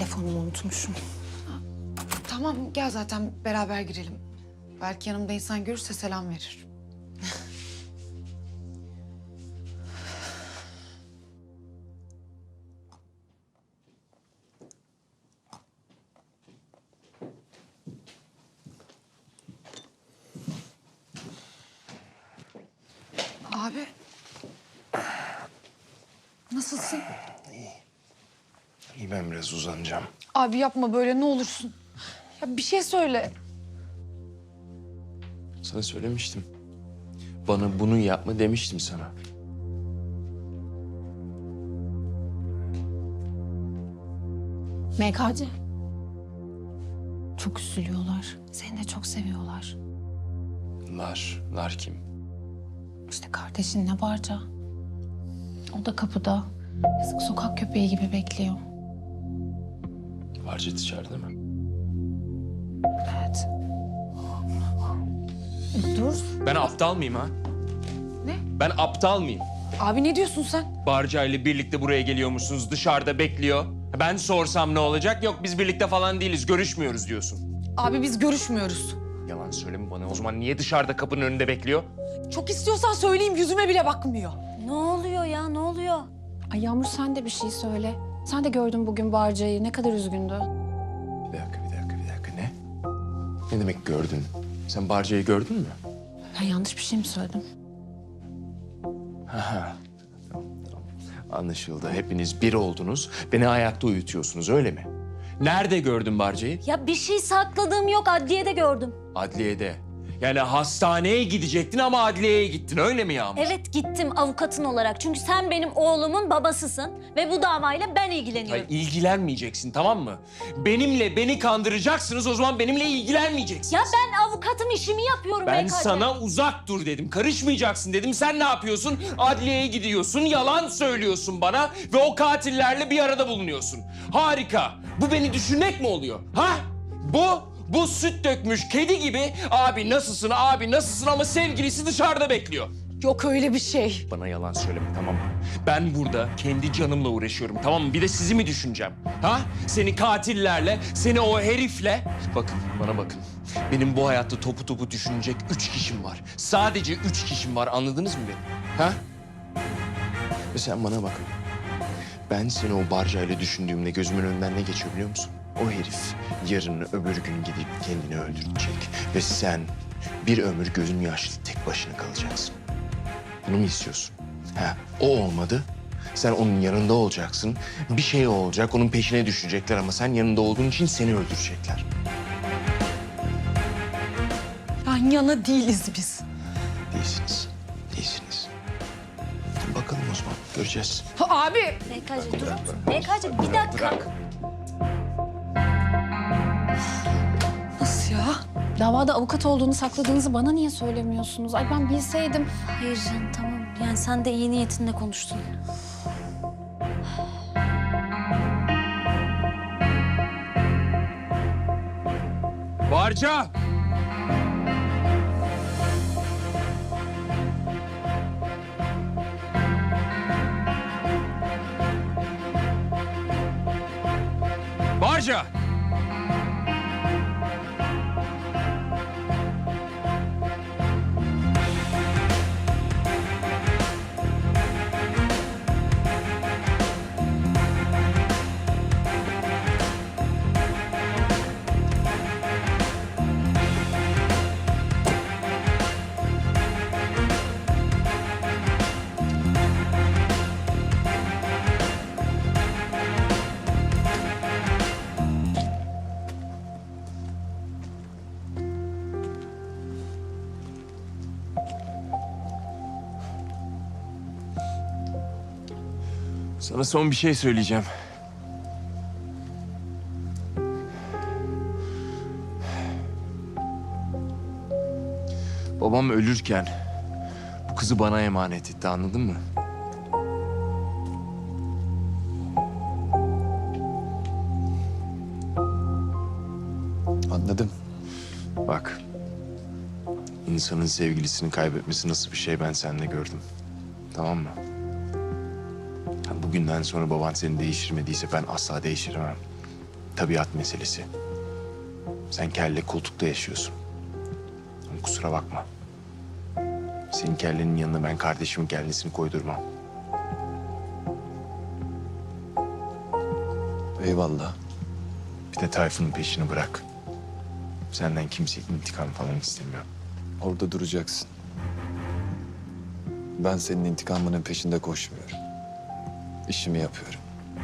telefonumu unutmuşum. Tamam gel zaten beraber girelim. Belki yanımda insan görürse selam verir. Abi. Nasılsın? İyi, ben biraz uzanacağım. Abi yapma böyle ne olursun. Ya bir şey söyle. Sana söylemiştim. Bana bunu yapma demiştim sana. MKC. Çok üzülüyorlar. Seni de çok seviyorlar. Lar kim? İşte kardeşinle Barca. O da kapıda. Yazık sokak köpeği gibi bekliyor. Barcet içeride mi? Evet. Dur. Ben aptal mıyım ha? Ne? Ben aptal mıyım? Abi ne diyorsun sen? Barca ile birlikte buraya geliyormuşsunuz, dışarıda bekliyor. Ben sorsam ne olacak? Yok biz birlikte falan değiliz, görüşmüyoruz diyorsun. Abi biz görüşmüyoruz. Yalan söyleme bana. O zaman niye dışarıda kapının önünde bekliyor? Çok istiyorsan söyleyeyim yüzüme bile bakmıyor. Ne oluyor ya, ne oluyor? Ay Yağmur sen de bir şey söyle. Sen de gördün bugün Barca'yı. Ne kadar üzgündü. Bir dakika. Ne? Ne demek gördün? Sen Barca'yı gördün mü? Ben yanlış bir şey mi söyledim? Tamam. Anlaşıldı. Hepiniz bir oldunuz. Beni ayakta uyutuyorsunuz öyle mi? Nerede gördün Barca'yı? Ya bir şey sakladığım yok, adliyede gördüm. Adliyede. Yani hastaneye gidecektin ama adliyeye gittin öyle mi Yağmur? Evet gittim avukatın olarak. Çünkü sen benim oğlumun babasısın ve bu davayla ben ilgileniyorum. Hayır, ilgilenmeyeceksin tamam mı? Beni kandıracaksınız o zaman benimle ilgilenmeyeceksin. Ya ben avukatım işimi yapıyorum Ben BKC. sana uzak dur dedim, karışmayacaksın dedim. Sen ne yapıyorsun? Adliyeye gidiyorsun, yalan söylüyorsun bana ve o katillerle bir arada bulunuyorsun. Harika. Bu beni düşünmek mi oluyor? Ha? Bu süt dökmüş kedi gibi abi nasılsın ama sevgilisi dışarıda bekliyor. Yok öyle bir şey. Bana yalan söyleme tamam mı? Ben burada kendi canımla uğraşıyorum tamam mı? Bir de sizi mi düşüneceğim? Ha? Seni katillerle, seni o herifle... Bakın bana bakın. Benim bu hayatta topu düşünecek 3 kişim var. Sadece 3 kişim var anladınız mı beni? Ha? Ve sen bana bak. Ben seni o barcayla düşündüğümde gözümün önünden ne geçiyor biliyor musun? O herif yarın öbür gün gidip kendini öldürecek. Ve sen bir ömür gözün yaşlı tek başına kalacaksın. Bunu mu istiyorsun? Ha, o olmadı. Sen onun yanında olacaksın. Bir şey olacak, onun peşine düşecekler ama sen yanında olduğun için seni öldürecekler. Yan yana değiliz biz. Değilsiniz. Bakalım o zaman, göreceğiz. Abi. BKC durur musun? BKC bir dakika. Bırak. Nasıl ya? Davada avukat olduğunu sakladığınızı bana niye söylemiyorsunuz? Ay ben bilseydim. Hayır canım tamam. Yani sen de iyi niyetinle konuştun. Barca! Barca! Sana son bir şey söyleyeceğim. Babam ölürken bu kızı bana emanet etti, anladın mı? Anladım. Bak, insanın sevgilisini kaybetmesi nasıl bir şey ben seninle gördüm. Tamam mı? Bugünden sonra baban seni değiştirmediyse ben asla değiştiremem. tabiat meselesi. Sen kelle koltukta yaşıyorsun. Ama kusura bakma. Senin kellenin yanına ben kardeşimin kellesini koydurmam. Eyvallah. Bir de Tayfun'un peşini bırak. Senden kimse intikam falan istemiyor. Orada duracaksın. Ben senin intikamının peşinde koşmuyorum. İşimi yapıyorum.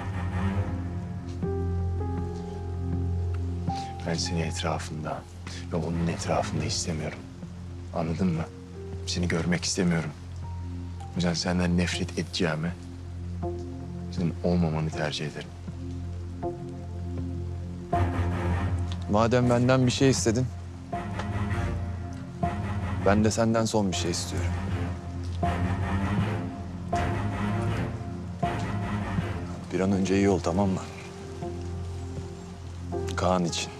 Ben seni etrafında ve onun etrafında istemiyorum. Anladın mı? Seni görmek istemiyorum. O yüzden senden nefret edeceğime senin olmamanı tercih ederim. Madem benden bir şey istedin, ben de senden son bir şey istiyorum. Bir an önce iyi ol, tamam mı? Kaan için.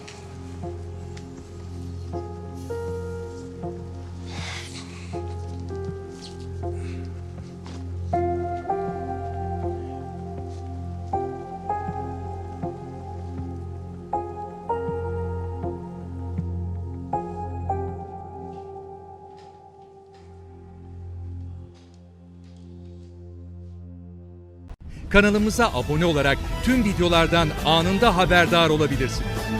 Kanalımıza abone olarak tüm videolardan anında haberdar olabilirsiniz.